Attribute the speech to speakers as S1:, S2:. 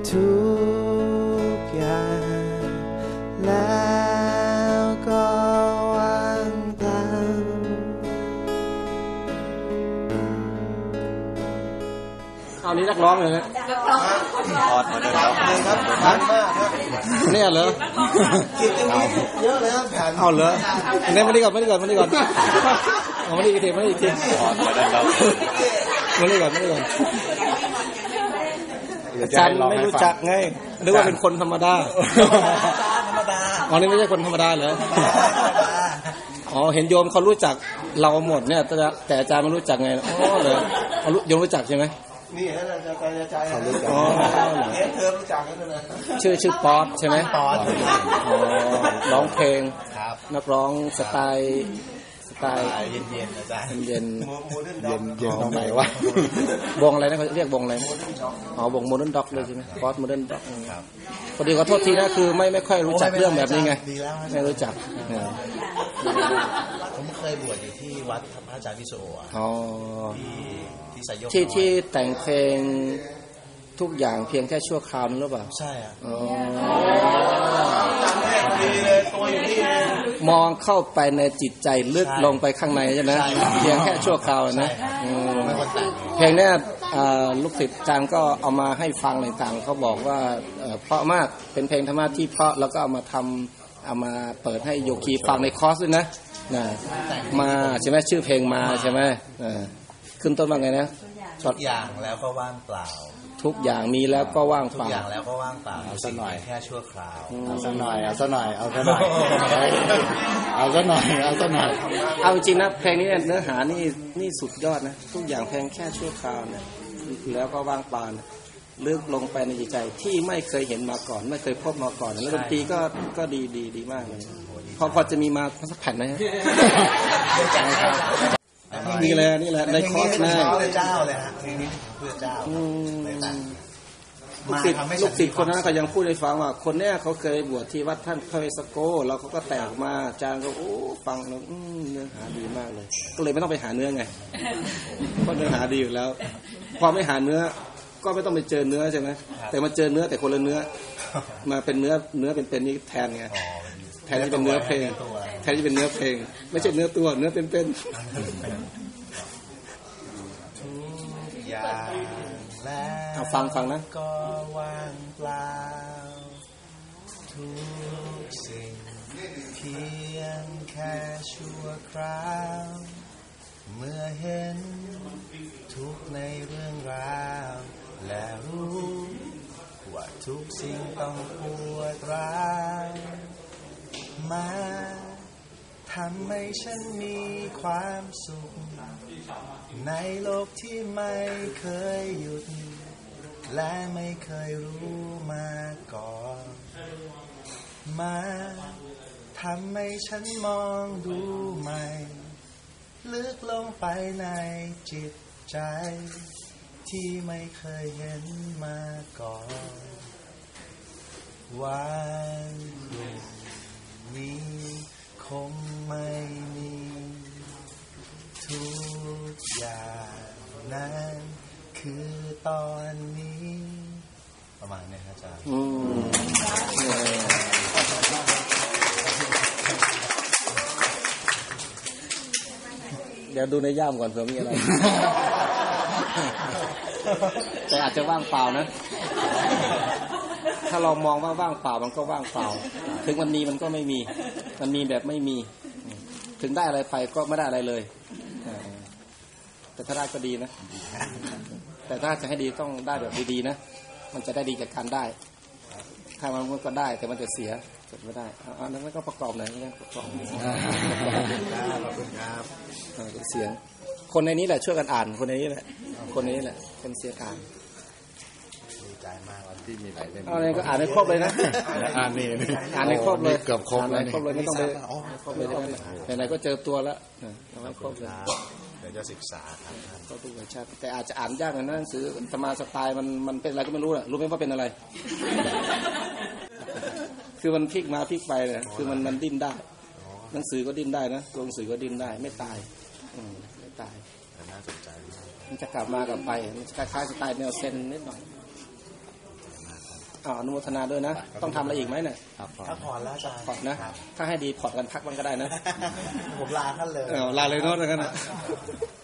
S1: ทุกอย่างแล้วก็วางเปล่าเอานี้นักร้องเลยนะ
S2: ออดมาเดินแล้วครับผ่านมากครับ
S1: เนี่ยเหรอ
S2: กินเยอะเลยครับผ่าน
S1: เอาเหรออันนี้มาดีก่อนเอามาดีอีกที
S2: ออดมาเดินแล้ว
S1: มาดีก่อนอาจารย์ไม่รู้จักไงนึกว่าเป็นคนธรรมดาอ๋อนี่ไม่ใช่คนธรรมดาเหรออ๋อเห็นโยมเขารู้จักเราหมดเนี่ยแต่อาจารย์ไม่รู้จักไงอ๋อเหรอโยมรู้จักใช่ไหม
S2: นี่อาจารย์เขารู้จักเธอรู้จักกันเลย
S1: ชื่อป๊อตใช่ไหม
S2: ป๊อต
S1: ร้องเพลงนักร้องสไตล์
S2: เย็นๆอาจารย์
S1: เย็น
S2: ตรงไหนวะ
S1: วงอะไรนะเขาเรียกวงอะไรอ๋อวงโมเดิร์นด็อกเลยใช่ไหมป๊อตโมเดิร์นด็อกพอดีขอโทษทีนะคือไม่ค่อยรู้จักเรื่องแบบนี้ไงไม่รู้จัก
S2: ผมเคยบวชอยู่ที่วัดพระอาจารย์วิโสที่สายโยก
S1: ที่แต่งเพลงทุกอย่างเพียงแค่ชั่วคราวนึงหรือเปล่า
S2: ใช่อ่ะ
S1: มองเข้าไปในจิตใจลึกลงไปข้างในใช่ไหมเพียงแค่ชั่วคราวนะเพลงนี้ลูกศิษย์อาจารย์ก็เอามาให้ฟังต่างๆเขาบอกว่าเพราะมากเป็นเพลงธรรมะที่เพราะแล้วก็เอามาเปิดให้โยคีฟังในคอร์สด้วยนะมาใช่ไหมชื่อเพลงมาใช่ไหมขึ้นต้นว่าไงนะ
S2: ทุกอย่างแล้วก็ว่างเปล่า
S1: ทุกอย่างมีแล้วก็ว่างเปล่า
S2: ทุกอย่างแล้วก็ว่างเปล่าเอาสักหน่อยแค่ชั่วคราว
S1: เอาสักหน่อยเอาจริงๆนะเพลงนี้เนื้อหานี่สุดยอดนะทุกอย่างเพียงแค่ชั่วคราวเนี่ยแล้วก็ว่างเปล่าลึกลงไปในจิตใจที่ไม่เคยเห็นมาก่อนไม่เคยพบมาก่อนแล้วดนตรีก็ดีมากเลยพอจะมีมาสักแผ่นไหมนี่แหละในคอร์สนะ
S2: เจ้าเลยฮะทีนี้เพื่อเจ้า
S1: ลูกศิษย์คนนั้นก็ยังพูดให้ฟังว่าคนเนี้ยเขาเคยบวชที่วัดท่านพระเวสโกแล้วเขาก็แตกมาอาจารย์ก็ฟังแล้วเนื้อหาดีมากเลยก็เลยไม่ต้องไปหาเนื้อไงเพราะเนื้อหาดีอยู่แล้วพอไม่หาเนื้อก็ไม่ต้องไปเจอเนื้อใช่ไหมแต่มาเจอเนื้อแต่คนละเนื้อมาเป็นเนื้อเป็นนี้แทนไงแทนที่เป็นเนื้อเพลงไม่ใช่เนื้อตัวเนื้อเป็นเอาฟังนะ
S2: ก็ว่างเปล่าทุกสิ่งเพียงแค่ชั่วคราวเมื่อเห็นทุกในเรื่องราวและรู้ว่าทุกสิ่งต้องปวดร้าวมาทำให้ฉันมีความสุขในโลกที่ไม่เคยหยุดและไม่เคยรู้มาก่อนมาทำให้ฉันมองดูใหม่ลึกลงไปในจิตใจที่ไม่เคยเห็นมาก่อนวันพรุ่งนี้คงไม่มีทุกอย่างนั้นคือตอนนี้ประมาณนี้ครับอาจารย์
S1: เดี๋ยวดูในย่ามก่อนเผื่อมีอะไรแต่อาจจะว่างเปล่านะถ้าเรามองว่าว่างเปล่ามันก็ว่างเปล่าถึงวันนี้มันก็ไม่มีมันมีแบบไม่มีถึงได้อะไรไปก็ไม่ได้อะไรเลยแต่ถ้าได้ก็ดีนะแต่ถ้าจะให้ดีต้องได้แบบดีๆนะมันจะได้ดีจากการได้ถ้ามันก็ได้แต่มันจะเสียจะไม่ได้อันนั้นก็ประกอบหน่อยนะประกอบเสียงคนในนี้แหละช่วยกันอ่านคนในนี้แหละเป็นเสียงอ่าน
S2: ดีใจมากที่มีหลายเล่ม
S1: อะไรก็อ่านให้ครบเลยนะ
S2: อ่าน
S1: ให้ครบเลย
S2: เกือบครบแล้ว
S1: ไม่ต้องไปครบเลยไหนๆก็เจอตัวแล้วเอาให้ครบเลย
S2: เดี๋ยวจะศึกษาครับ
S1: ก็ทุกวิชาแต่อาจจะอ่านยากหน่อยนะหนังสือธรรมะสไตล์มันเป็นอะไรก็ไม่รู้รู้ไหมว่าเป็นอะไรคือมันพลิกมาพลิกไปเลยคือมันดิ้นได้หนังสือก็ดิ้นได้นะตัวหนังสือก็ดิ้นได้ไม่ตายไม่ตาย
S2: น่าสนใจ
S1: มันจะกลับมากับไปมันคล้ายๆสไตล์แนวเซนนิดหน่อยอนุโมทนาด้วยนะ ต้องทำอะไรอีกไหมเนี่ย
S2: ถ้าผ่อนแล้วอาจารย์
S1: พอดนะ ถ้าให้ดีพอดกันพักมันก็ได้นะ
S2: ผมลาท่านเลย
S1: ลาเลยโน้ตแล้วกันนะ